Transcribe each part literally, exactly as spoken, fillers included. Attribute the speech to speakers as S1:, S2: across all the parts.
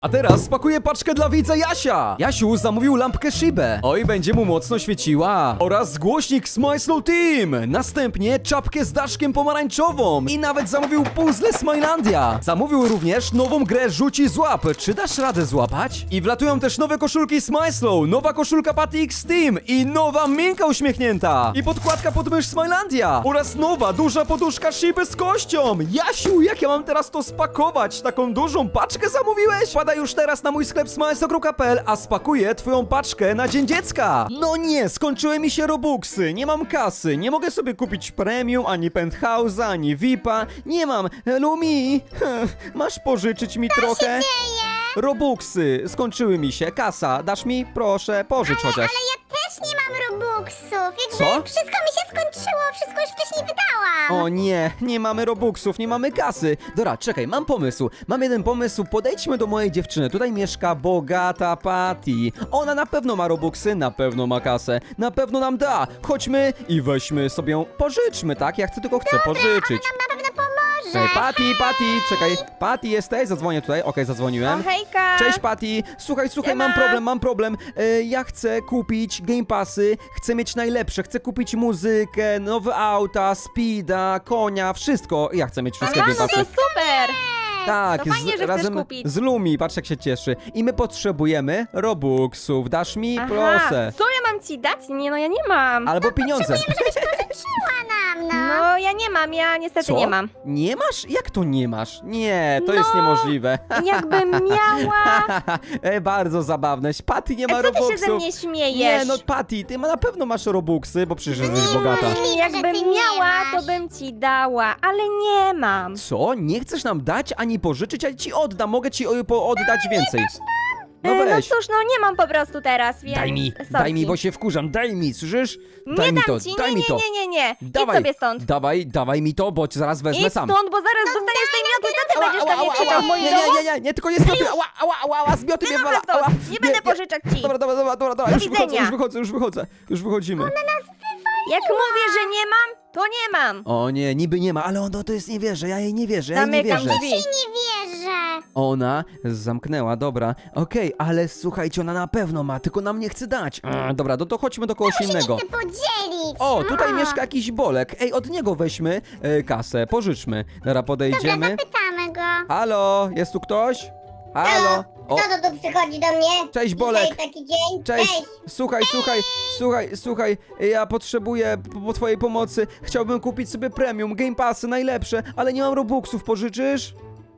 S1: A teraz spakuję paczkę dla widza Jasia. Jasiu zamówił lampkę Shibę. Oj, będzie mu mocno świeciła. Oraz głośnik Smile Slow Team. Następnie czapkę z daszkiem pomarańczową. I nawet zamówił puzzle Smilandia. Zamówił również nową grę Rzuci Złap. Czy dasz radę złapać? I wlatują też nowe koszulki Smile Slow, nowa koszulka Patty X Team i nowa Minka uśmiechnięta. I podkładka pod mysz Smilandia. Oraz nowa duża poduszka Shiby z kością. Jasiu, jak ja mam teraz to spakować? Taką dużą paczkę zamówiłeś? Wpadaj już teraz na mój sklep smilesokro kropka p l, a spakuję twoją paczkę na Dzień Dziecka. No nie, skończyły mi się robuxy, nie mam kasy, nie mogę sobie kupić premium, ani penthouse'a, ani V I P-a, nie mam. Lumi, masz pożyczyć mi trochę? Robuxy, skończyły mi się, kasa, dasz mi? Proszę, pożycz chociaż.
S2: Ale ja też nie mam robuxów. Jakby
S1: Co?
S2: wszystko mi się skończyło, wszystko już wcześniej wydałam.
S1: O nie, nie mamy robuxów, nie mamy kasy. Dobra, czekaj, mam pomysł. Mam jeden pomysł, podejdźmy do mojej dziewczyny. Tutaj mieszka bogata Patty. Ona na pewno ma robuxy, na pewno ma kasę. Na pewno nam da. Chodźmy i weźmy sobie ją, pożyczmy, tak? Ja chcę tylko chcę pożyczyć.
S2: Nam na pewno pomoże.
S1: Czekaj, Patty, Patty, czekaj. Patty, jesteś? Zadzwonię tutaj. Okej, zadzwoniłem.
S3: O, hejka!
S1: Cześć Patty, słuchaj, słuchaj, mam
S3: Siema.
S1: problem, mam problem. E, ja chcę kupić Game Passy, chcę mieć najlepsze, chcę kupić muzykę, nowe auta, speeda, konia, wszystko. Ja chcę mieć wszystkie
S3: Aha,
S1: Game
S3: no to
S1: Passy.
S3: super!
S1: Tak,
S3: to fajnie, że chcesz
S1: razem
S3: kupić.
S1: z Lumi, patrz jak się cieszy. I my potrzebujemy Robuxów, dasz mi?
S3: Aha,
S1: Proszę.
S3: co ja mam ci dać? Nie, no ja nie mam.
S1: Albo pieniądze.
S2: Pożyczyła nam, no.
S3: No ja nie mam, ja niestety
S1: Co?
S3: nie mam.
S1: Nie masz? Jak to nie masz? Nie, to
S3: No.
S1: jest niemożliwe.
S3: Jakbym miała...
S1: e, bardzo zabawne. Patty nie ma
S3: A co ty
S1: Robuxów.
S3: się ze mnie śmiejesz?
S1: Nie, no Patty, ty ma, na pewno masz Robuxy, bo przecież jesteś bogata.
S2: możliwe, że
S3: Jakbym
S2: ty nie
S3: miała,
S2: masz.
S3: to bym ci dała, ale nie mam.
S1: Co? Nie chcesz nam dać ani pożyczyć, ani ci oddam. Mogę ci o, po, oddać więcej. No
S3: E, no
S1: weź.
S3: cóż, no nie mam po prostu teraz, więc...
S1: Daj mi,
S3: sorki.
S1: daj mi, bo się wkurzam. Daj mi, słyszysz? Daj
S3: Nie
S1: mi
S3: dam
S1: to,
S3: ci,
S1: daj
S3: nie,
S1: mi
S3: nie,
S1: to.
S3: nie, nie, nie.
S1: Dawaj,
S3: Idź sobie stąd.
S1: Dawaj, dawaj mi to, bo ci zaraz wezmę
S3: Idź
S1: sam.
S3: stąd, bo zaraz dostaniesz tej mioty, co ty
S1: Ała,
S3: będziesz
S1: ała,
S3: tam
S1: ała,
S3: krzyczał
S1: ała.
S3: w moim
S1: Nie,
S3: domu?
S1: nie, nie, nie, nie, tylko nie zmioty. Ała, ała, ała, ała, zmioty mnie
S3: Dobra,
S1: wywala.
S3: stąd.
S1: Ała.
S3: Nie będę pożyczać ci.
S1: Dobra, dobra, dobra, dobra, dobra.
S3: Do
S1: Już wychodzę,
S3: widzenia.
S1: już wychodzę, już wychodzę. Już wychodzimy.
S3: Jak mówię, że nie mam, to nie mam.
S1: O nie, niby nie ma, ale ona to jest nie wierzę, ja jej nie wierzę, ja jej nie
S3: Zamykam
S1: wierzę.
S3: drzwi.
S2: Nie wierzę.
S1: Ona zamknęła, dobra. Okej, ale słuchajcie, ona na pewno ma, tylko nam nie chce dać. A, dobra, no to chodźmy do kogoś innego.
S2: Chcę podzielić.
S1: O, tutaj
S2: A.
S1: mieszka jakiś Bolek. Ej, od niego weźmy e, kasę, pożyczmy. Dobra, podejdziemy.
S2: Zapytamy go.
S1: Halo, jest tu ktoś? Halo? O,
S2: Kto to tu przychodzi do mnie?
S1: cześć Bolek.
S2: Dzisiaj taki dzień.
S1: Cześć, słuchaj, słuchaj, słuchaj, słuchaj, ja potrzebuję po, po twojej pomocy. Chciałbym kupić sobie premium, Game Passy, najlepsze, ale nie mam Robuxów, pożyczysz?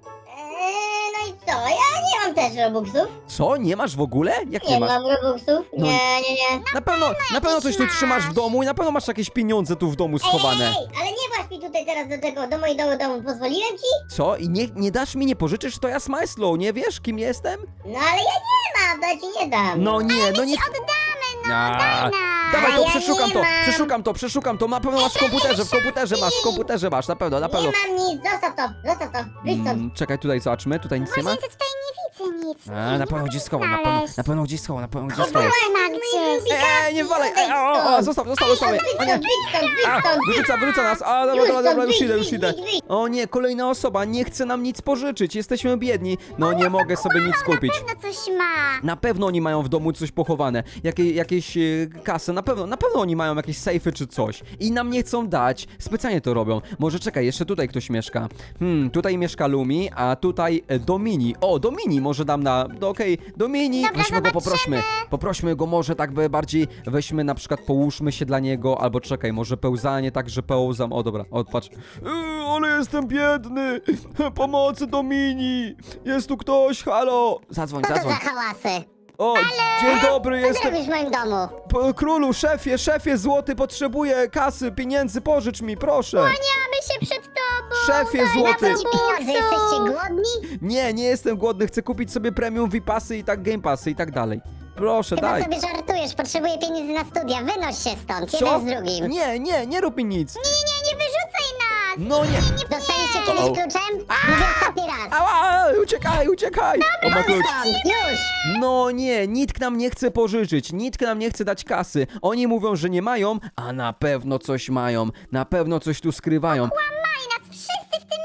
S2: Eee, no i co? Ja nie mam też robuxów.
S1: Co, nie masz w ogóle? Jak nie
S2: Nie
S1: masz?
S2: mam robuxów.
S1: No.
S2: Nie, nie, nie.
S1: Na pewno, na pewno coś tu
S2: masz.
S1: trzymasz w domu i na pewno masz jakieś pieniądze tu w domu schowane.
S2: Ej, ej, ale nie właź mi tutaj teraz do tego, do mojego domu. Pozwoliłem ci?
S1: Co? I nie, nie dasz mi, nie pożyczysz? To ja Smile Slow, nie wiesz kim jestem?
S2: No ale ja nie mam, to ja ci nie dam.
S1: No nie, no nie...
S2: Oddamy, no,
S1: A,
S2: daj nam.
S1: Dawaj
S2: A
S1: to,
S2: ja
S1: przeszukam
S2: nie
S1: to,
S2: mam.
S1: przeszukam to, przeszukam to, na pewno masz w komputerze, w komputerze masz, w komputerze masz, na pewno, na pewno.
S2: Nie mam nic, zostaw to, zostaw to, wyjdź stąd.
S1: Mm, czekaj, tutaj zobaczmy, tutaj nic nie ma.
S2: Właśnie tutaj nie widzę nic.
S1: A, na pewno gdzieś schował, na pewno, na pewno gdzieś schował, na pewno gdzieś schował.
S2: Była gdzieś.
S1: Eee, nie walej, ej, o, o, o, zostaw, zostaw, zostaw.
S2: Wyjdź
S1: O nie.
S2: stąd, wyjdź stąd, wyjdź
S1: A,
S2: stąd.
S1: wyrzuca, wyrzuca nas. A, dobra,
S2: Już
S1: dobra, dobra,
S2: stąd,
S1: już
S2: wyjdź,
S1: idę, już
S2: wyjdź,
S1: idę.
S2: wyjdź, wyjdź.
S1: O nie, kolejna osoba, nie chce nam nic pożyczyć, jesteśmy biedni. No nie mogę sobie nic kupić.
S2: Na pewno coś ma.
S1: Na pewno oni mają w domu coś pochowane, Jakie, jakieś e, kasy, na pewno, na pewno oni mają jakieś sejfy czy coś i nam nie chcą dać, specjalnie to robią. Może czekaj, jeszcze tutaj ktoś mieszka. Hmm, tutaj mieszka Lumi, a tutaj e, Domini. O, Domini może dam na, no, okej, Domini,
S2: Dobra,
S1: weźmy go,
S2: zobaczymy.
S1: poprośmy. Poprośmy go może tak by bardziej, weźmy na przykład, połóżmy się dla niego, albo czekaj, może pełzanie, tak, że pełzam, o dobra, o patrz. Yy, ale jestem biedny, pomocy Domini, jest tu ktoś, halo. Zadzwoń,
S2: Co to za
S1: zadzwoń.
S2: hałasy?
S1: O, dzień dobry,
S2: Co ty
S1: jestem...
S2: robisz w moim domu?
S1: P- Królu, szefie, szefie złoty, potrzebuję kasy, pieniędzy, pożycz mi, proszę.
S2: Mamy się przed tobą.
S1: Szefie
S2: Daj
S1: złoty.
S2: nam ci pieniądze, jesteście głodni?
S1: Nie, nie jestem głodny, chcę kupić sobie premium V I P-asy i tak Game Passy i tak dalej. Proszę,
S2: Chyba
S1: daj.
S2: sobie żartujesz, potrzebuję pieniędzy na studia, wynoś się stąd,
S1: Co?
S2: jeden z drugim.
S1: Nie, nie, nie rób mi nic.
S2: Nie, nie, nie wyrzucaj nas!
S1: No nie.
S2: Dostaliście kiedyś
S1: O.
S2: kluczem? Mówię ostatni raz.
S1: Ała, uciekaj, uciekaj. O, ma klucz.
S2: Stąd, już!
S1: No nie, nikt nam nie chce pożyczyć, nikt nam nie chce dać kasy. Oni mówią, że nie mają, a na pewno coś mają. Na pewno coś tu skrywają.
S2: Kłamali nas wszyscy w tym mieście!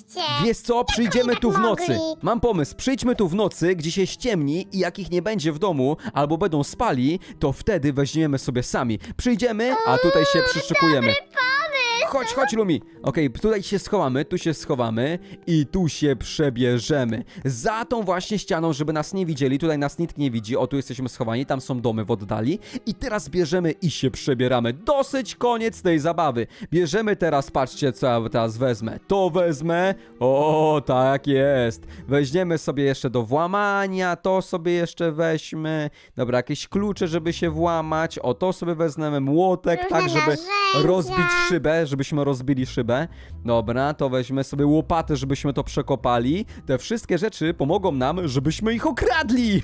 S1: Wiesz co, przyjdziemy
S2: tak
S1: tu w nocy.
S2: mogli?
S1: Mam pomysł, przyjdźmy tu w nocy, gdzie się ściemni i jak ich nie będzie w domu, albo będą spali, to wtedy weźmiemy sobie sami. Przyjdziemy, a tutaj się przyszykujemy. Chodź, chodź, Lumi. Okej, tutaj się schowamy, tu się schowamy i tu się przebierzemy. Za tą właśnie ścianą, żeby nas nie widzieli. Tutaj nas nikt nie widzi. O, tu jesteśmy schowani, tam są domy w oddali. I teraz bierzemy i się przebieramy. Dosyć koniec tej zabawy. Bierzemy teraz, patrzcie, co ja teraz wezmę. To wezmę. O, tak jest. Weźmiemy sobie jeszcze do włamania. To sobie jeszcze weźmy. Dobra, jakieś klucze, żeby się włamać. O, to sobie wezmemy. Młotek,
S2: Różne
S1: tak, żeby
S2: narzędzia.
S1: rozbić szybę, żebyśmy rozbili szybę. Dobra, to weźmy sobie łopatę, żebyśmy to przekopali. Te wszystkie rzeczy pomogą nam, żebyśmy ich okradli.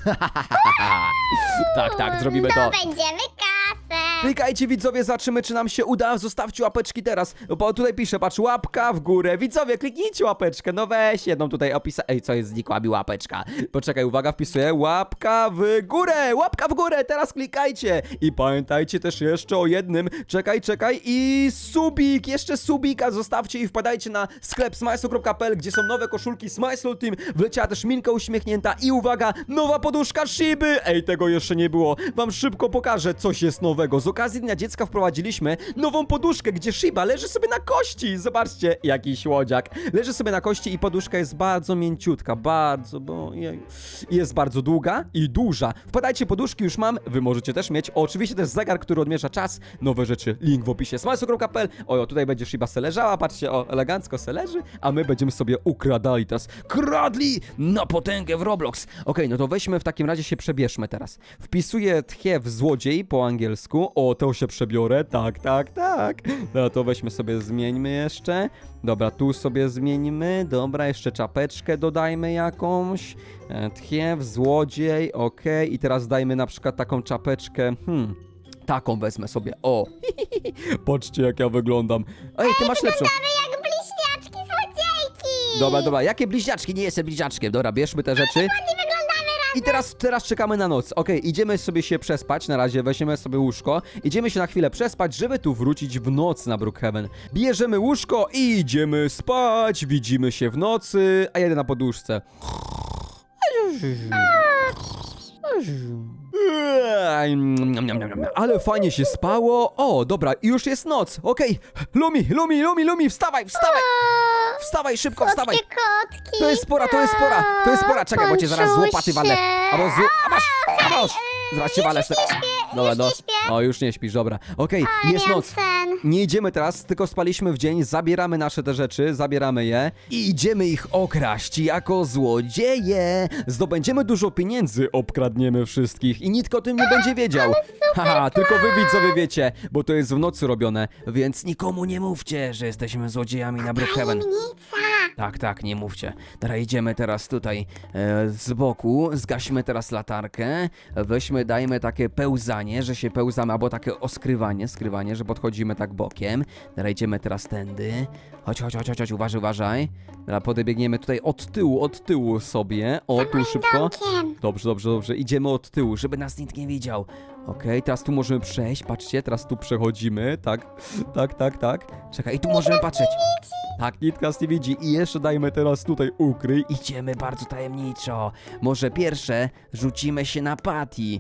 S1: Tak, tak, zrobimy to.
S2: Zdobędziemy kasę.
S1: Klikajcie, widzowie, zobaczymy, czy nam się uda. Zostawcie łapeczki teraz, bo tutaj piszę, patrz, łapka w górę. Widzowie, kliknijcie łapeczkę, no weź jedną tutaj opisa... Ej, co jest, znikła mi łapeczka. Poczekaj, uwaga, wpisuję, łapka w górę, łapka w górę, teraz klikajcie. I pamiętajcie też jeszcze o jednym, czekaj, czekaj i subik, jeszcze subika zostawcie i wpadajcie na sklep smajslu kropka p l, gdzie są nowe koszulki Smajslu Team, wleciała też Minka uśmiechnięta i uwaga, nowa poduszka Shiby. Ej, tego jeszcze nie było, wam szybko pokażę, coś jest nowego. Z okazji Dnia Dziecka wprowadziliśmy nową poduszkę, gdzie Shiba leży sobie na kości. Zobaczcie, jaki słodziak. Leży sobie na kości i poduszka jest bardzo mięciutka, bardzo, bo jej, jest bardzo długa i duża. Wpadajcie, poduszki już mam, wy możecie też mieć. O, oczywiście też zegar, który odmierza czas. Nowe rzeczy, link w opisie smajslu kropka p l. O, tutaj będzie Shiba se leżała, patrzcie, o, elegancko se leży, a my będziemy sobie ukradali teraz. Kradli na potęgę w Roblox. Okej, no to weźmy w takim razie się przebierzmy teraz. Wpisuję tchiew złodziej po angielsku. O, to się przebiorę, tak, tak, tak. No to weźmy sobie, zmieńmy jeszcze. Dobra, tu sobie zmieńmy. Dobra, jeszcze czapeczkę dodajmy jakąś. E, Tchiew, złodziej, okej. I teraz dajmy na przykład taką czapeczkę, hmm... Taką wezmę sobie, o. Patrzcie, jak ja wyglądam. Ej, ty masz lepszą.
S2: Jak bliźniaczki złodziejki.
S1: Dobra, dobra, jakie bliźniaczki? Nie jestem bliźniaczkiem. Dobra, bierzmy te rzeczy.
S2: Nie wyglądamy razem.
S1: I teraz, teraz czekamy na noc. Okej, idziemy sobie się przespać. Na razie weźmiemy sobie łóżko. Idziemy się na chwilę przespać, żeby tu wrócić w noc na Brookhaven. Bierzemy łóżko i idziemy spać. Widzimy się w nocy, a jedę na poduszce. Ale fajnie się spało. O, dobra, już jest noc. Okej, Lumi, Lumi, Lumi, Lumi, wstawaj, wstawaj. Wstawaj, szybko, wstawaj.
S2: Słodkie kotki.
S1: To jest pora, to jest pora, to jest pora. Czekaj, bo cię zaraz z łopaty walę. Albo z... A masz, a masz. Zaraz cię walę. Dobra,
S2: już
S1: no.
S2: nie śpię.
S1: O, już nie śpisz, dobra. Okej,
S2: Ale
S1: jest
S2: miałam
S1: noc.
S2: sen.
S1: Nie idziemy teraz, tylko spaliśmy w dzień, zabieramy nasze te rzeczy, zabieramy je i idziemy ich okraść jako złodzieje. Zdobędziemy dużo pieniędzy, obkradniemy wszystkich i nikt o tym nie będzie wiedział. Haha, tylko wy widzowie wiecie, bo to jest w nocy robione, więc nikomu nie mówcie, że jesteśmy złodziejami na Brookhaven.
S2: Tajemnica.
S1: Tak, tak, nie mówcie. Dobra, idziemy teraz tutaj e, z boku, zgaśmy teraz latarkę, weźmy, dajmy takie pełzanie, że się pełzamy, albo takie oskrywanie, skrywanie, że podchodzimy tak bokiem. Dobra, idziemy teraz tędy. Chodź, chodź, chodź, chodź, chodź, uważaj, uważaj. Dobra, podebiegniemy tutaj od tyłu, od tyłu sobie. O, tu szybko.
S2: domkiem.
S1: Dobrze, dobrze, dobrze. Idziemy od tyłu, żeby nas nikt nie widział. Okej, teraz tu możemy przejść, patrzcie, teraz tu przechodzimy, tak, tak, tak, tak. Czekaj, i tu możemy patrzeć. Tak, nikt nas nie widzi. I jeszcze dajmy teraz tutaj ukryj. Idziemy bardzo tajemniczo. Może pierwsze rzucimy się na Patty,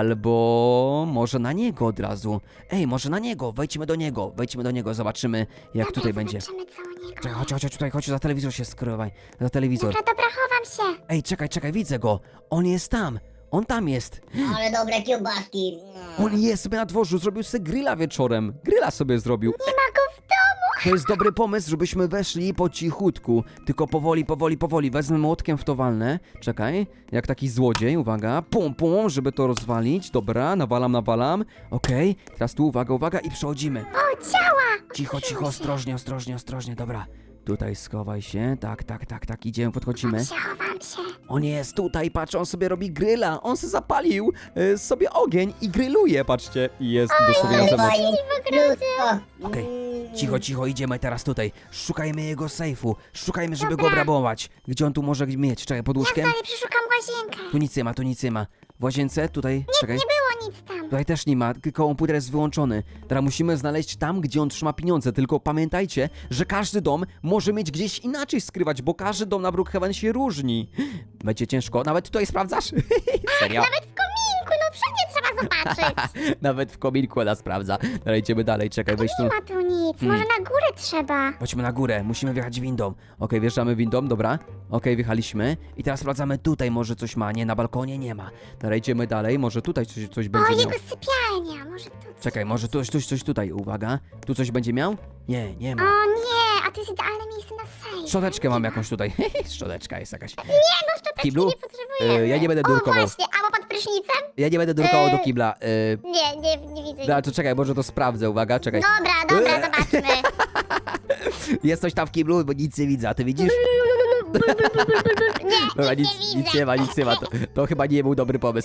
S1: albo może na niego od razu. Ej, może na niego, wejdźmy do niego, wejdźmy do niego, zobaczymy jak tutaj będzie.
S2: Zobaczymy, co u niego.
S1: Czekaj, chodź, chodź, chodź tutaj, chodź, za telewizor się skrywaj, za telewizor.
S2: Dobra, dobra, chowam się.
S1: Ej, czekaj, czekaj, widzę go. On jest tam, on tam jest.
S2: Ale dobre kiełbaski.
S1: On jest sobie na dworzu, zrobił sobie grilla wieczorem. Grilla sobie zrobił.
S2: Nie ma go w domu.
S1: To jest dobry pomysł, żebyśmy weszli po cichutku. Tylko powoli, powoli, powoli. Wezmę młotkiem w to walnę. Czekaj, jak taki złodziej, uwaga. Pum, pum, żeby to rozwalić. Dobra, nawalam, nawalam. Okej, teraz tu uwaga, uwaga i przechodzimy.
S2: O, ciała.
S1: Cicho, cicho, ostrożnie, ostrożnie, ostrożnie, dobra. Tutaj schowaj się, tak, tak, tak, tak, idziemy, podchodzimy.
S2: Chowam się.
S1: On jest tutaj, patrz, on sobie robi gryla. On sobie zapalił y, sobie ogień i grilluje, patrzcie. I jest dosłownie na zewnątrz.
S2: Mnóstwo.
S1: Okej, cicho, cicho, idziemy teraz tutaj. Szukajmy jego sejfu. Szukajmy, żeby
S2: Dobra.
S1: go obrabować. Gdzie on tu może mieć? Czekaj, pod łóżkiem?
S2: Ja dalej przeszukam łazienkę.
S1: Tu nic nie ma, tu nic nie ma. W łazience? Tutaj? Czekaj.
S2: Nie było
S4: nic tam.
S1: Tutaj też nie ma, tylko komputer jest wyłączony. Teraz musimy znaleźć tam, gdzie on trzyma pieniądze, tylko pamiętajcie, że każdy dom może mieć gdzieś inaczej skrywać, bo każdy dom na Brookhaven się różni. Będzie ciężko, nawet tutaj sprawdzasz? Serio?
S4: Nawet w kominku, no wszędzie trzeba zobaczyć.
S1: Nawet w kominku ona sprawdza. Dobra, idziemy dalej, czekaj, weź tu.
S4: Nie ma tu nic,
S1: Hmm.
S4: może na górę trzeba.
S1: Chodźmy na górę, musimy wjechać windą. Okej, wjeżdżamy windą, dobra. Okej, wjechaliśmy. I teraz sprawdzamy tutaj, może coś ma. Nie, na balkonie nie ma. Dobra, idziemy dalej, może tutaj coś, coś
S4: O,
S1: będzie miał.
S4: jego sypialnia, może tu coś.
S1: Czekaj, może tu coś, coś tutaj, uwaga. Tu coś będzie miał? Nie, nie ma.
S4: O nie, a to jest idealne miejsce na sejf.
S1: Szczoteczkę mam jakąś tutaj. Szczoteczka jest jakaś.
S4: Nie, no szczoteczki
S1: Kiblu?
S4: nie potrzebujemy.
S1: E, ja nie będę
S4: O
S1: nurkował.
S4: właśnie, albo pod prysznicem?
S1: Ja nie będę drukował do
S4: E,
S1: kibla. Yy,
S4: Nie, nie, nie widzę.
S1: dobra, to czekaj, może to sprawdzę, uwaga, czekaj.
S4: Dobra, dobra, zobaczmy.
S1: Jest coś tam w kiblu, bo nic nie widzę, a ty widzisz?
S4: Nie,
S1: Dobra,
S4: nic,
S1: nic,
S4: nie widzę.
S1: nic nie ma, nic nie ma. To, to chyba nie był dobry pomysł.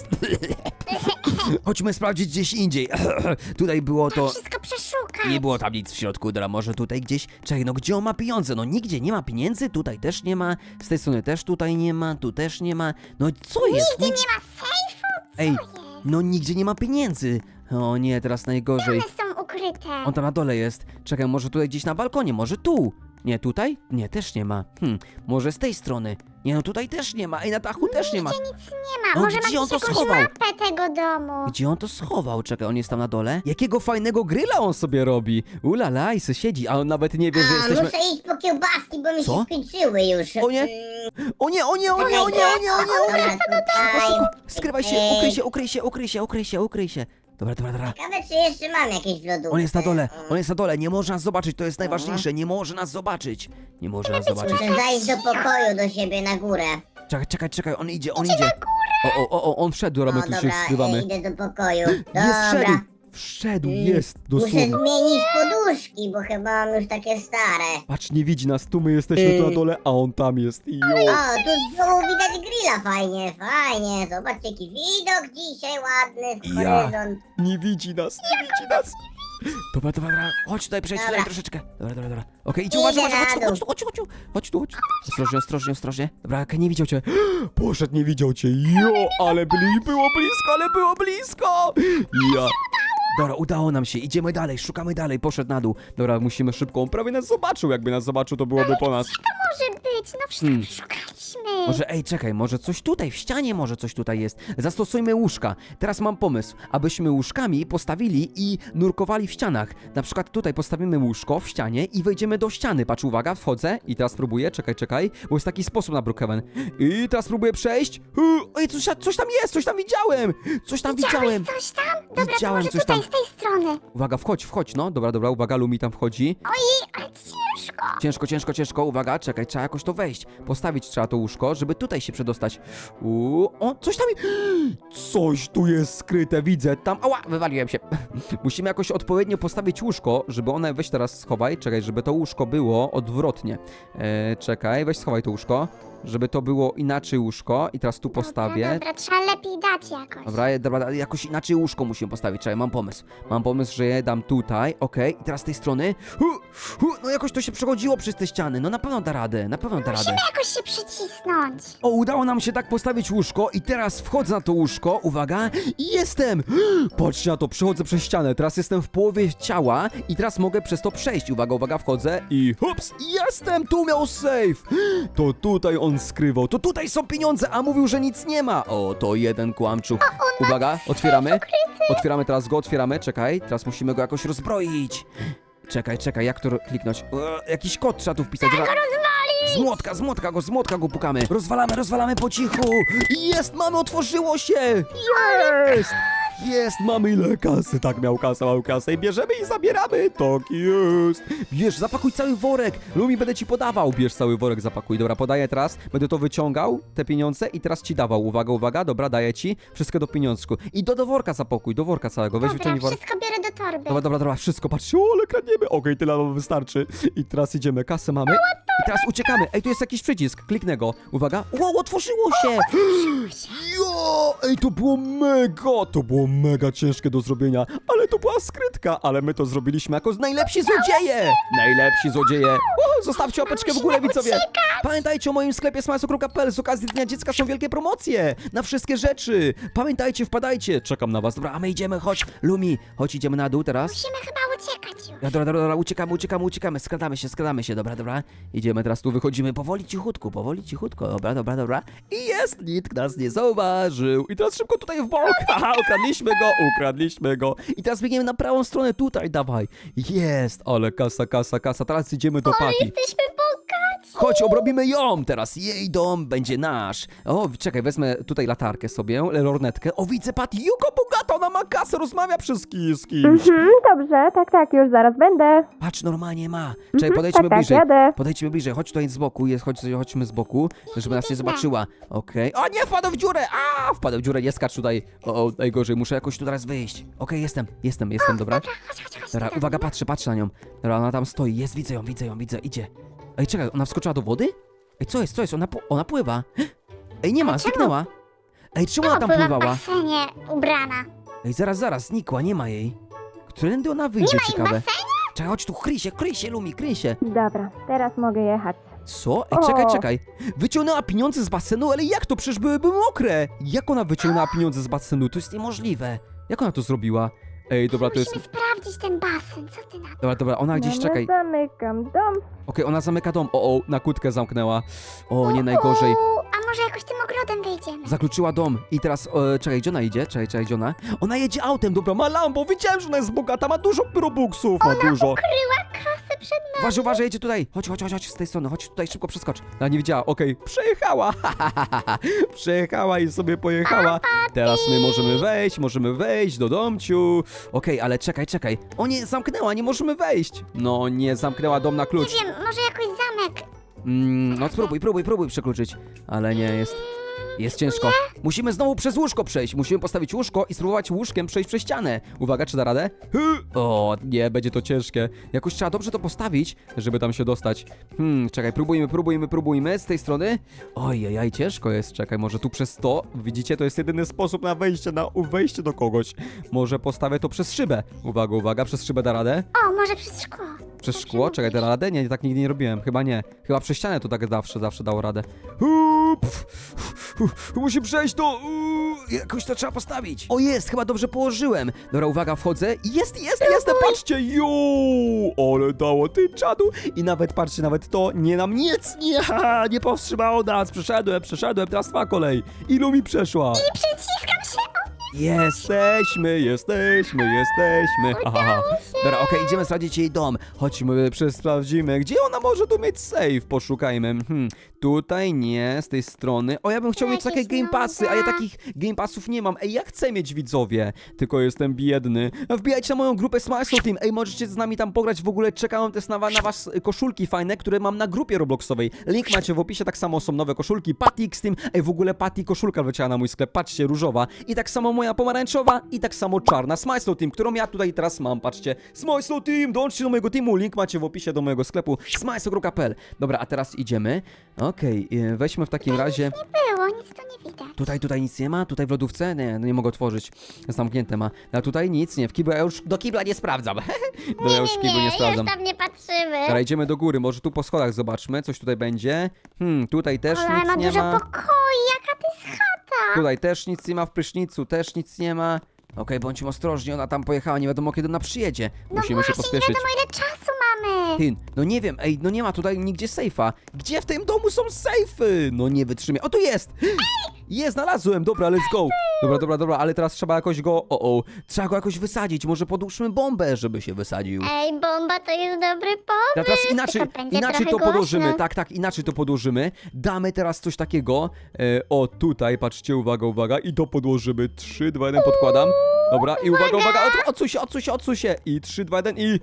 S1: Chodźmy sprawdzić gdzieś indziej. Tutaj było to...
S4: Wszystko przeszukać.
S1: Nie było tam nic w środku, dobra, może tutaj gdzieś... Czekaj, no gdzie on ma pieniądze? No nigdzie nie ma pieniędzy, tutaj też nie ma, z tej strony też tutaj nie ma, tu też nie ma. No co jest?
S4: Nigdzie nie ma sejfu? Co
S1: Ej,
S4: jest?
S1: no nigdzie nie ma pieniędzy. O nie, teraz najgorzej.
S4: One są ukryte.
S1: On tam na dole jest. Czekaj, może tutaj gdzieś na balkonie, może tu. Nie, tutaj? Nie, też nie ma. Hm, może z tej strony. Nie, no tutaj też nie ma. Ej, na dachu też nie ma.
S4: Nigdzie nic nie ma.
S1: No,
S4: Może
S1: gdzie
S4: ma
S1: on to
S4: jakąś
S1: schował?
S4: mapę tego domu.
S1: Gdzie on to schował? Czekaj, on jest tam na dole? Jakiego fajnego grilla on sobie robi? Ulala, i se siedzi, a on nawet nie wie, że
S2: A,
S1: jesteśmy...
S2: muszę iść po kiełbaski, bo mi
S1: Co?
S2: się skończyły już.
S1: O nie.
S2: Mm,
S1: O nie, o nie, o nie, o nie, o nie, o nie, o nie.
S2: Dobra, tutaj.
S1: Skrywaj się, ukryj się, ukryj się, ukryj się, ukryj się, ukryj się. Dobra, dobra, dobra.
S2: Ciekawe, czy jeszcze mam jakieś w lodówce.
S1: On jest na dole,
S2: Mm.
S1: on jest na dole, nie może nas zobaczyć, to jest najważniejsze, nie może nas zobaczyć. Nie może nas zobaczyć.
S2: Muszę zajść do pokoju do siebie na górę.
S1: Czekaj, czekaj, czekaj, on idzie, on idzie. O, o, o, o, on wszedł, dobra, my
S2: No
S1: tu się
S2: dobra,
S1: skrywamy.
S2: e, idę do pokoju.
S1: Jest,
S2: Dobra.
S1: wszedł, wszedł, jest,
S2: Muszę
S1: dosłownie.
S2: zmienić poduszki, bo chyba mam już takie stare.
S1: Patrz, nie widzi nas, tu my jesteśmy tu na dole, a on tam jest. Jo.
S2: O, tu z dołu widać grilla, fajnie, fajnie. Zobaczcie, jaki widok dzisiaj ładny w
S1: Ja.
S2: horyzont.
S1: Nie widzi nas, nie widzi nas. Dobra, dobra, dobra, chodź tutaj, przejdź tutaj
S2: Dobra.
S1: troszeczkę. Dobra, dobra, dobra. Okej, idź,
S2: Idę
S1: uważaj, uważaj,
S2: na
S1: chodź tu,
S2: dół.
S1: chodź tu, chodź tu, chodź tu, chodź tu, chodź tu. Ostrożnie, ostrożnie, ostrożnie. Dobra, okej, nie widział cię. Poszedł, nie widział cię. Jo, ale byli, było blisko, ale było blisko. Ja. Dobra, udało nam się, idziemy dalej, szukamy dalej, poszedł na dół. Dobra, musimy szybko, on prawie nas zobaczył, jakby nas zobaczył, to byłoby po nas.
S4: Może być, no wszystko
S1: Hmm.
S4: przeszukaliśmy.
S1: Może, ej, czekaj, może coś tutaj, w ścianie może coś tutaj jest. Zastosujmy łóżka. Teraz mam pomysł, abyśmy łóżkami postawili i nurkowali w ścianach. Na przykład tutaj postawimy łóżko w ścianie i wejdziemy do ściany. Patrz, uwaga, wchodzę i teraz próbuję, czekaj, czekaj, bo jest taki sposób na Brookhaven. I teraz próbuję przejść. Hu, Ej, coś, coś tam jest, coś tam widziałem. Coś tam widziałem.
S4: Widziałeś coś tam? Dobra,
S1: Widziałem
S4: to może
S1: coś
S4: tutaj,
S1: tam.
S4: z tej strony.
S1: Uwaga, wchodź, wchodź, no. Dobra, dobra, uwaga, Lumi tam wchodzi.
S4: Ojej, ale ciężko.
S1: Ciężko, ciężko, ciężko, uwaga, czekaj, trzeba jakoś to wejść. Postawić trzeba to łóżko, żeby tutaj się przedostać. Uuu, o, coś tam... Coś tu jest skryte, widzę, tam... Ała, wywaliłem się. Musimy jakoś odpowiednio postawić łóżko, żeby one... Weź teraz schowaj, czekaj, żeby to łóżko było odwrotnie. E, czekaj, weź schowaj to łóżko, żeby to było inaczej łóżko i teraz tu postawię.
S4: Dobra, dobra, trzeba lepiej dać jakoś.
S1: Dobra, je- dobra, jakoś inaczej łóżko musimy postawić. Czekaj, mam pomysł. Mam pomysł, że je dam tutaj, okej, i teraz z tej strony. Hu, hu, no jakoś to się przechodziło przez te ściany. No na pewno da radę, na pewno da radę.
S4: Musimy jakoś się przycisnąć.
S1: O, udało nam się tak postawić łóżko i teraz wchodzę na to łóżko, uwaga, i jestem! Patrzcie na to, przechodzę przez ścianę, teraz jestem w połowie ciała i teraz mogę przez to przejść. Uwaga, uwaga, wchodzę i hops, jestem! Tu miał safe! To tutaj on skrywał, to tutaj są pieniądze, a mówił, że nic nie ma! O, to jeden kłamczuch. Uwaga, otwieramy. Otwieramy teraz go, otwieramy, czekaj, teraz musimy go jakoś rozbroić. Czekaj, czekaj, jak to ro- kliknąć? E, jakiś kod trzeba tu wpisać. Dobra. Z młotka, z młotka go, z młotka go pukamy. Rozwalamy, rozwalamy po cichu. Jest, mamy, otworzyło się. Jest! Jest, mamy ile kasy. Tak, miał kasę, miał kasę i bierzemy i zabieramy. Tak jest. Bierz, zapakuj cały worek. Lumi, będę ci podawał. Bierz cały worek, zapakuj. Dobra, podaję teraz. Będę to wyciągał, te pieniądze i teraz ci dawał. Uwaga, uwaga, dobra, daję ci. Wszystko do pieniążku. I do, do worka zapakuj, do worka całego. Weź
S4: Dobra,
S1: wyciągnij worek.
S4: wszystko biorę do torby.
S1: Dobra, dobra, dobra, wszystko, patrzcie, o, ale kradniemy. Okej, tyle nam wystarczy. I teraz idziemy, kasę mamy. I teraz uciekamy. Ej, tu jest jakiś przycisk, kliknę go. Uwaga. Wow, otworzyło się! Jo! Ej, to było mega! To było mega ciężkie do zrobienia, ale ale to była skrytka, ale my to zrobiliśmy jako najlepsi złodzieje! Najlepsi złodzieje! Uhu, zostawcie łapeczkę w górę, widzowie! Pamiętajcie o moim sklepie smajso kropka p l, z okazji Dnia Dziecka są wielkie promocje na wszystkie rzeczy! Pamiętajcie, wpadajcie, czekam na was. Dobra, a my idziemy, chodź, Lumi, chodź, idziemy na dół teraz.
S4: Musimy chyba uciekać już.
S1: Dobra, dobra, dobra, uciekamy, uciekamy, uciekamy, skradamy się, skradamy się, dobra, dobra. Idziemy teraz tu, wychodzimy powoli, cichutku, powoli, cichutko, dobra, dobra, dobra. I jest, nikt nas nie zauważył. I teraz szybko tutaj w bok, haha, ukradliśmy go, ukradliśmy go. I teraz biegniemy na prawą stronę, tutaj, dawaj. Jest, ale kasa, kasa, kasa, teraz idziemy do Patty.
S2: Jesteśmy bogaci.
S1: Chodź, obrobimy ją teraz, jej dom będzie nasz. O, czekaj, wezmę tutaj latarkę sobie, lornetkę. O, widzę Patty, Juko bogata, ona ma kasę, rozmawia przez ki- z kimś.
S3: Mhm, dobrze, tak, tak, już zaraz będę.
S1: Patrz, normalnie ma. Czekaj,
S3: Mhm,
S1: podejdźmy
S3: tak, tak,
S1: bliżej.
S3: jadę.
S1: Podejdźmy bliżej, chodź tutaj z boku, jest, chodź, chodźmy z boku, żeby nas nie zobaczyła. Okej. O nie, wpadł w dziurę! A, wpadł w dziurę, nie skacz tutaj. O, o, najgorzej, muszę jakoś tu teraz wyjść. Okej, jestem, jestem, jestem, dobra.
S4: Chodź, chodź, chodź.
S1: Dobra, uwaga, patrzę, patrzę na nią. Dobra, ona tam stoi, jest, widzę ją, widzę ją, widzę, idzie. Ej, czekaj, ona wskoczyła do wody? Ej, co jest, co jest, ona, pu- ona pływa. Ej, nie ma, zniknęła. Ej, czemu ona tam
S4: Pływa w
S1: pływała?
S4: basenie, ubrana.
S1: Ej, zaraz, zaraz, znikła, nie ma jej. Którędy ona wyjdzie,
S4: ma jej w
S1: ciekawe.
S4: basenie?
S1: Czekaj, chodź tu, kryj się, kryj się, Lumi, kryj się.
S3: Dobra, teraz mogę jechać.
S1: Co? Ej,
S3: O.
S1: czekaj, czekaj. Wyciągnęła pieniądze z basenu, ale jak to? Przecież byłyby mokre. Jak ona wyciągnęła pieniądze z basenu? To jest niemożliwe. Jak ona to zrobiła? Ej, dobra, to jest...
S4: Musimy sprawdzić ten basen, co ty na to?
S1: Dobra, dobra, ona gdzieś,
S3: Dobra,
S1: czekaj. Okej,
S3: zamykam dom.
S1: ona zamyka dom. O, o, na kłódkę zamknęła. O, nie najgorzej.
S4: U, a może jakoś tym ogrodem wyjdziemy?
S1: Zakluczyła dom. I teraz, e, czekaj, gdzie ona idzie? Czekaj, czekaj, gdzie ona? Ona jedzie autem, dobra, ma Lambo. Wiedziałem, że ona jest bogata, ma dużo robuxów, ma dużo.
S4: Kryła kasę przed nami.
S1: Uważaj, uważaj, jedzie tutaj. Chodź, chodź, chodź, chodź z tej strony, chodź tutaj, szybko przeskocz. Ona nie widziała, okej, przejechała. Przejechała i sobie pojechała. Teraz my możemy wejść, możemy wejść do domciu. Okej, ale czekaj, czekaj. O nie, zamknęła, nie możemy wejść. No nie, zamknęła dom na
S4: Nie
S1: klucz.
S4: wiem, może jakoś zamek.
S1: Mm, no spróbuj, próbuj, próbuj przekluczyć. Ale nie, jest... Jest ciężko. Musimy znowu przez łóżko przejść. Musimy postawić łóżko i spróbować łóżkiem przejść przez ścianę. Uwaga, czy da radę? Hy! O, nie, będzie to ciężkie. Jakoś trzeba dobrze to postawić, żeby tam się dostać. Hmm, czekaj, próbujmy, próbujmy, próbujmy z tej strony. Ojej, ciężko jest. Czekaj, może tu przez to. Widzicie, to jest jedyny sposób na wejście, na wejście do kogoś. Może postawię to przez szybę. Uwaga, uwaga, przez szybę da radę?
S4: O, może przez szkło.
S1: Przez szkło? Czekaj, da radę? Nie, tak nigdy nie robiłem. Chyba nie. Chyba przez ścianę to tak zawsze, zawsze dało radę. Hup, musi przejść to. Uuu, jakoś to trzeba postawić. O, jest, chyba dobrze położyłem. Dobra, uwaga, wchodzę. Jest, jest, jest, patrzcie. Jo, ale dało ty czadu. I nawet, patrzcie, nawet to nie nam nic. Nie, nie powstrzymało nas. Przeszedłem, przeszedłem, teraz twoja kolej. Ilu mi przeszła?
S4: I przyciskam się. O,
S1: Jesteśmy, jesteśmy, jesteśmy. Aha. Dobra, okej, idziemy sprawdzić jej dom. Chodźmy, sprawdzimy, gdzie ona może tu mieć safe. Poszukajmy. Hmm, tutaj nie, z tej strony. O, ja bym chciał mieć takie
S4: Jakieś
S1: game passy, a ja
S4: nuda.
S1: takich game passów nie mam. Ej, ja chcę mieć, widzowie, tylko jestem biedny. Wbijajcie na moją grupę Smile Team. Ej, możecie z nami tam pograć. W ogóle czekałem też na, wa- na was koszulki fajne, które mam na grupie Robloxowej. Link macie w opisie, tak samo są nowe koszulki. Patty X Team. Ej, w ogóle Patty koszulka wleciała na mój sklep. Patrzcie, różowa. I tak samo moja pomarańczowa i tak samo czarna Smile Team, którą ja tutaj teraz mam. Patrzcie, Smile Team, dołączcie do mojego teamu. Link macie w opisie do mojego sklepu smile kropka p l. Dobra, a teraz idziemy. Okej, okay, weźmy w takim razie...
S4: nie było, nic tu nie widać.
S1: Tutaj, tutaj nic nie ma? Tutaj w lodówce? Nie, no nie mogę otworzyć. Zamknięte ma. A tutaj nic nie. W kibla ja już do kibla nie sprawdzam. Do ja już
S2: Nie,
S1: kiblu nie
S2: nie,
S1: sprawdzam.
S2: już tam nie patrzymy.
S1: Dobra, idziemy do góry. Może tu po schodach zobaczmy, coś tutaj będzie. Hmm, tutaj też
S4: Ale
S1: nic
S4: ma
S1: nie
S4: dużo
S1: ma.
S4: pokoi, jaka to jest chata.
S1: Tutaj też nic nie ma, w prysznicu też nic nie ma. Okej, bądźmy ostrożni, ona tam pojechała, nie wiadomo kiedy ona przyjedzie. Musimy
S4: no
S1: się
S4: właśnie,
S1: pospieszyć.
S4: nie wiadomo ile czasu mamy.
S1: Ty, no nie wiem, ej, no nie ma tutaj nigdzie sejfa. Gdzie w tym domu są sejfy? No nie wytrzymie. O, tu jest! Jest, znalazłem, dobra, let's go. Dobra, dobra, dobra, ale teraz trzeba jakoś go, o, o, trzeba go jakoś wysadzić. Może podłóżmy bombę, żeby się wysadził.
S2: Ej, bomba to jest dobry pomysł.
S1: Ja teraz inaczej,
S4: tylko będzie
S1: inaczej to
S4: trochę
S1: podłożymy,
S4: głośno.
S1: tak, tak, inaczej to podłożymy. Damy teraz coś takiego. E, o, tutaj, patrzcie, uwaga, uwaga. I to podłożymy. trzy, dwa, jeden, podkładam. Dobra, i uwaga, uwaga, od- odsuń się, odsuń się, odsuń się. I trzy, dwa, jeden i...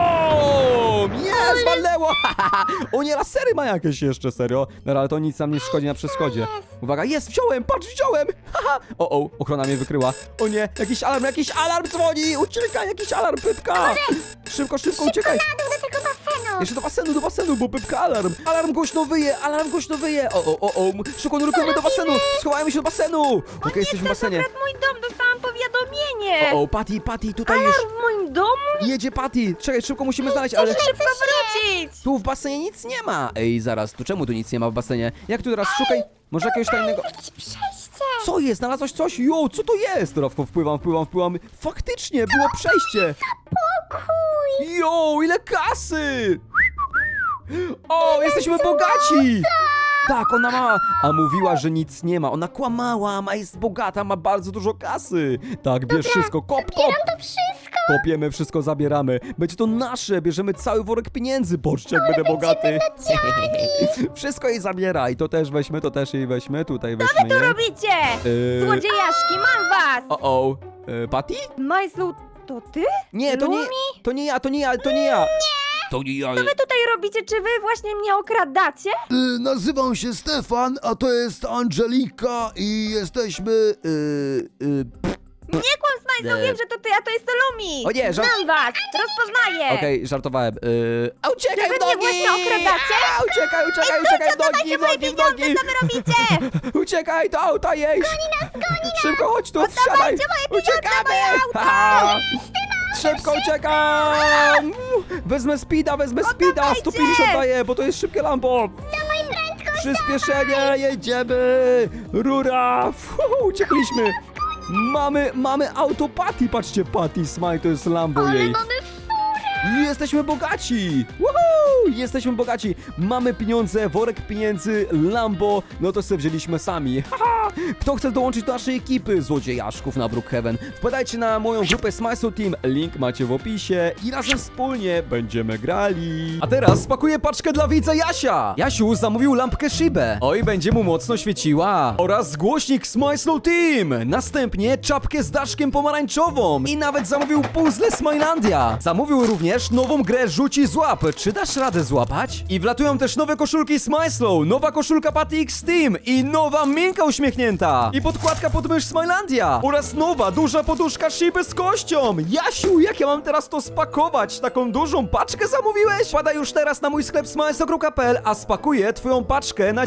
S1: BOOM! Jest, walnęło! O nie, lasery ma jakieś jeszcze, serio. Dobra, ale to nic nam nie szkodzi na przeszkodzie. Uwaga, jest, wziąłem, patrz, wziąłem! Haha! O, o, ochrona mnie wykryła. O nie, jakiś alarm, jakiś alarm dzwoni! Uciekaj, jakiś alarm, Pypka! Szybko, szybko, uciekaj!
S4: Na dół do tego basenu.
S1: Jeszcze do basenu, do basenu, bo Pypka alarm! Alarm głośno wyje, alarm głośno wyje! O, o, o, o, szybko nurkujemy do basenu! Schowajmy się do basenu! Okej, jesteśmy w basenie.
S3: Mój dom, dostałam powiadomienie. kamienie!
S1: O, o, Patty, Patty, tutaj już
S3: Alarm w moim domu?
S1: jedzie Patty. Czekaj, szybko musimy znaleźć, ale...
S3: Szybko wrócić!
S1: Tu w basenie nic nie ma. Ej, zaraz, tu czemu tu nic nie ma w basenie? Jak tu teraz szukaj? Może jakiegoś tajnego...
S4: Jakieś przejście.
S1: Co jest? Znalazłeś coś? Jo, co to jest? Rowko, wpływam, wpływam, wpływam. Faktycznie, było przejście.
S4: Pokój.
S1: Jo, ile kasy! O, jesteśmy bogaci! Tak, ona ma, a mówiła, że nic nie ma. Ona kłamała, ma jest bogata, ma bardzo dużo kasy. Tak, bierz wszystko, kop, kop.
S4: Bieram to wszystko.
S1: Kopiemy, wszystko zabieramy. Będzie to nasze, bierzemy cały worek pieniędzy. Boczcie, jak będę bogaty. Wszystko jej zabieraj. To też weźmy, to też jej weźmy. Tutaj weźmy
S3: Co
S1: jej.
S3: robicie?
S1: Yy,
S3: Złodziejaszki, mam was!
S1: O, o. Yy, Patty?
S3: Majslu, to ty?
S1: Nie, to nie,
S3: Lumi?
S1: to nie ja, to nie ja, to nie ja. To nie ja.
S3: Co wy tutaj robicie? Czy wy właśnie mnie okradacie?
S5: Y, nazywam się Stefan, a to jest Angelika i jesteśmy... Y, y,
S3: Nie kłam, Smajslu,
S1: Nie.
S3: wiem, że to ty, a to jest Lumi!
S1: O nie, żart-
S3: Znam was, rozpoznaję!
S1: Okej, żartowałem. Yy... A uciekaj
S3: Czy wy
S1: w nogi!
S3: mnie właśnie okradacie?
S1: A, uciekaj, uciekaj, uciekaj w nogi, w
S3: moje
S1: nogi, w
S3: pieniądze,
S1: nogi!
S3: co wy robicie?
S1: Uciekaj, to auta jedź! Goni nas, goni nas! Szybko, chodź tu, wsiadaj!
S3: moje pieniądze,
S1: Uciekamy!
S3: moje auto!
S1: Ha! Szybko uciekam! Wezmę speeda, wezmę speeda! sto pięćdziesiąt daję, bo to jest szybkie Lambo! Przyspieszenie, jedziemy! Rura! Fuhu, uciekliśmy! Mamy, mamy auto Patty, patrzcie, Patty Smile, to jest Lambo jej.
S4: Mamy furę.
S1: Jesteśmy bogaci! Woohoo! Jesteśmy bogaci! Mamy pieniądze, worek pieniędzy, Lambo, no to sobie wzięliśmy sami. Haha! Kto chce dołączyć do naszej ekipy złodziejaszków na Brookhaven? Wpadajcie na moją grupę Smile Team, link macie w opisie i razem wspólnie będziemy grali. A teraz spakuję paczkę dla widza Jasia! Jasiu zamówił lampkę Shibę. Oj, będzie mu mocno świeciła. Oraz głośnik Smile Team. Następnie czapkę z daszkiem pomarańczową. I nawet zamówił puzzle Smilandia. Zamówił również nową grę Rzuci Złap. Czy dasz radę złapać? I wlatują też nowe koszulki Smile Slow, nowa koszulka Patty X Team i nowa Minka uśmiechnięta. I podkładka pod mysz Smilandia. Oraz nowa duża poduszka Shiby z kością. Jasiu, jak ja mam teraz to spakować? Taką dużą paczkę zamówiłeś? Wpadaj już teraz na mój sklep smileslo kropka p l, a spakuję twoją paczkę na